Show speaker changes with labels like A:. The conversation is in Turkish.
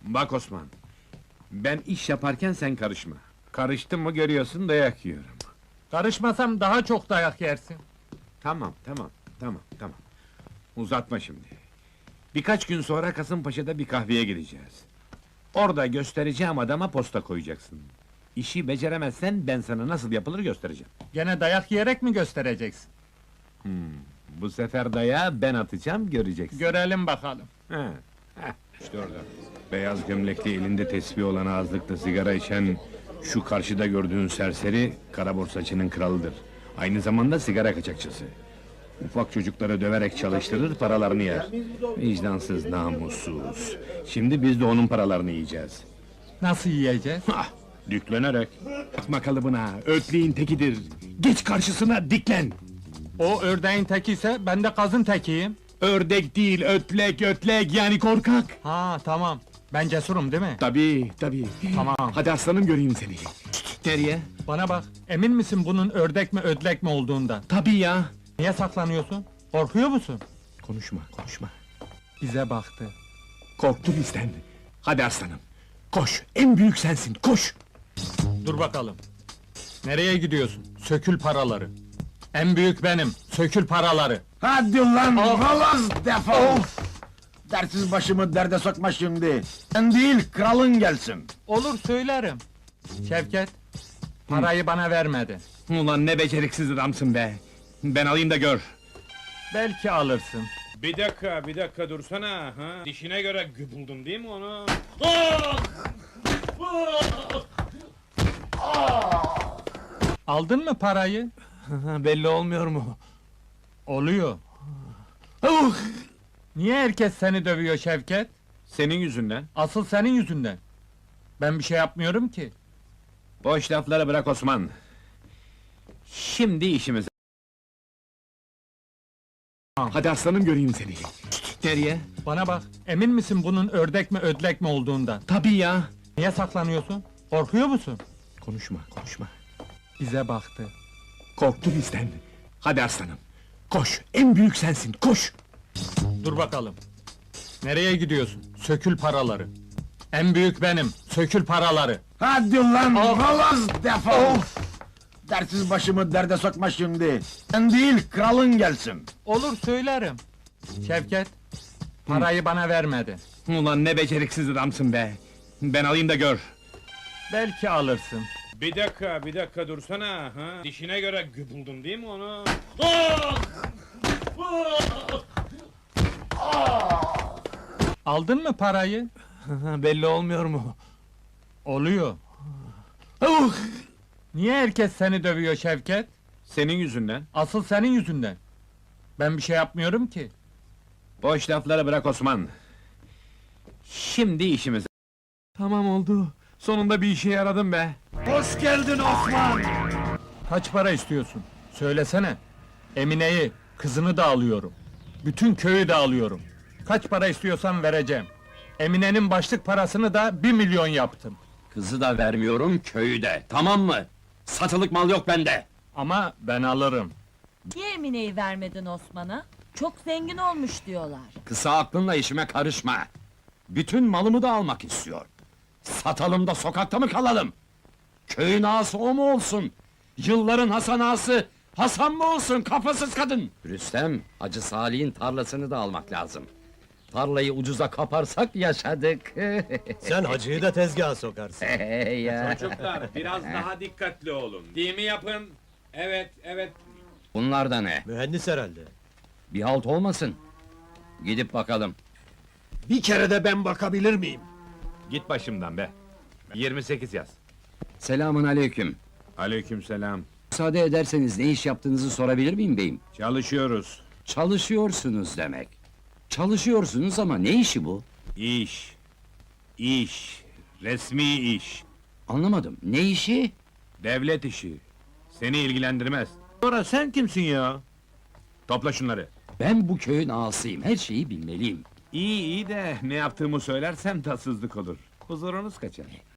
A: Bak Osman, ben iş yaparken sen karışma. Karıştın mı görüyorsun dayak yiyorum.
B: Karışmasam daha çok dayak yersin.
A: Tamam. Uzatma şimdi. Birkaç gün sonra Kasımpaşa'da bir kahveye gideceğiz. Orada göstereceğim adama posta koyacaksın. İşi beceremezsen ben sana nasıl yapılır göstereceğim.
B: Gene dayak yiyerek mi göstereceksin?
A: Bu sefer dayağı ben atacağım, göreceksin.
B: Görelim bakalım.
A: He, işte orada. Beyaz gömlekli, elinde tesbih olan, ağızlıkta sigara içen... ...şu karşıda gördüğün serseri, kara borsacının kralıdır. Aynı zamanda sigara kaçakçısı. Ufak çocukları döverek çalıştırır, paralarını yer. Vicdansız, namussuz. Şimdi biz de onun paralarını yiyeceğiz.
B: Nasıl yiyeceğiz?
A: Hah, düklenerek. Atma kalıbına, ötleğin tekidir. Geç karşısına, diklen!
B: O ördeğin teki ise ben de kazın tekiyim.
A: Ördek değil, ötlek, yani korkak!
B: Ha tamam. Ben cesurum değil mi?
A: Tabii.
B: Tamam.
A: Hadi aslanım, göreyim seni. Nereye?
B: Bana bak, emin misin bunun ördek mi ödlek mi olduğundan?
A: Tabii ya!
B: Niye saklanıyorsun? Korkuyor musun?
A: Konuşma.
B: Bize baktı.
A: Korktu bizden. Hadi aslanım. Koş, en büyük sensin, koş!
B: Dur bakalım. Nereye gidiyorsun? Sökül paraları. En büyük benim. Sökül paraları.
C: Hadi lan, oğlum, defol! Dersiz başımı derde sokma şimdi. Sen değil, kralın gelsin.
B: Olur söylerim. Şevket, parayı bana vermedi.
A: Ulan ne beceriksiz adamsın be! Ben alayım da gör!
B: Belki alırsın.
A: Bir dakika dursana, ha? Dişine göre buldun değil mi onu?
B: Aldın mı parayı?
A: Belli olmuyor mu?
B: Oluyor.
A: Oh!
B: Niye herkes seni dövüyor Şevket?
A: Senin yüzünden.
B: Asıl senin yüzünden. Ben bir şey yapmıyorum ki.
A: Boş lafları bırak Osman. Şimdi işimize... Hadi aslanım, göreyim seni. Nereye?
B: Bana bak, emin misin bunun ördek mi ödlek mi olduğundan?
A: Tabii ya!
B: Niye saklanıyorsun? Korkuyor musun?
A: Konuşma.
B: Bize baktı.
A: Korktu bizden. Hadi aslanım. Koş, en büyük sensin, koş!
B: Dur bakalım. Nereye gidiyorsun? Sökül paraları. En büyük benim. Sökül paraları.
C: Hadi lan, oğlum, defol! Dersiz başımı derde sokma şimdi. Sen değil, kralın gelsin.
B: Olur söylerim. Şevket, parayı bana vermedi.
A: Ulan ne beceriksiz adamsın be! Ben alayım da gör!
B: Belki alırsın.
A: Bir dakika dursana, ha? Dişine göre buldun değil mi onu?
B: Aldın mı parayı?
A: Belli olmuyor mu?
B: Oluyor.
A: Oh!
B: Niye herkes seni dövüyor Şevket?
A: Senin yüzünden.
B: Asıl senin yüzünden. Ben bir şey yapmıyorum ki.
A: Boş lafları bırak Osman. Şimdi işimize... Tamam oldu. Sonunda bir işe yaradım be.
C: Hoş geldin Osman!
B: Kaç para istiyorsun? Söylesene. Emine'yi, kızını da alıyorum. Bütün köyü de alıyorum. Kaç para istiyorsan vereceğim. Emine'nin başlık parasını da 1 milyon yaptım.
D: Kızı da vermiyorum, köyü de, tamam mı? Satılık mal yok bende!
B: Ama ben alırım.
E: Niye Emine'yi vermedin Osman'a? Çok zengin olmuş diyorlar.
D: Kısa aklınla işime karışma! Bütün malımı da almak istiyor. Satalım da sokakta mı kalalım? Köyün ağası o mu olsun? Yılların Hasan ağası, Hasan mı olsun, kafasız kadın? Rüstem, Hacı Salih'in tarlasını da almak lazım. Tarlayı ucuza kaparsak yaşadık.
F: Sen hacıyı da tezgaha sokarsın.
D: Ya.
A: Çocuklar, biraz daha dikkatli olun. Değil mi yapın? Evet.
D: Bunlar da ne?
F: Mühendis herhalde.
D: Bir halt olmasın. Gidip bakalım.
F: Bir kere de ben bakabilir miyim?
A: Git başımdan be. 28 yaz.
D: Selamun aleyküm.
A: Aleykümselam.
D: Müsaade ederseniz ne iş yaptığınızı sorabilir miyim beyim?
A: Çalışıyoruz.
D: Çalışıyorsunuz demek. Çalışıyorsunuz ama ne işi bu?
A: İş. Resmi iş.
D: Anlamadım. Ne işi?
A: Devlet işi. Seni ilgilendirmez. Sonra sen kimsin ya? Topla şunları.
D: Ben bu köyün ağasıyım. Her şeyi bilmeliyim.
A: İyi de ne yaptığımı söylersem tatsızlık olur. Huzurunuz kaçar.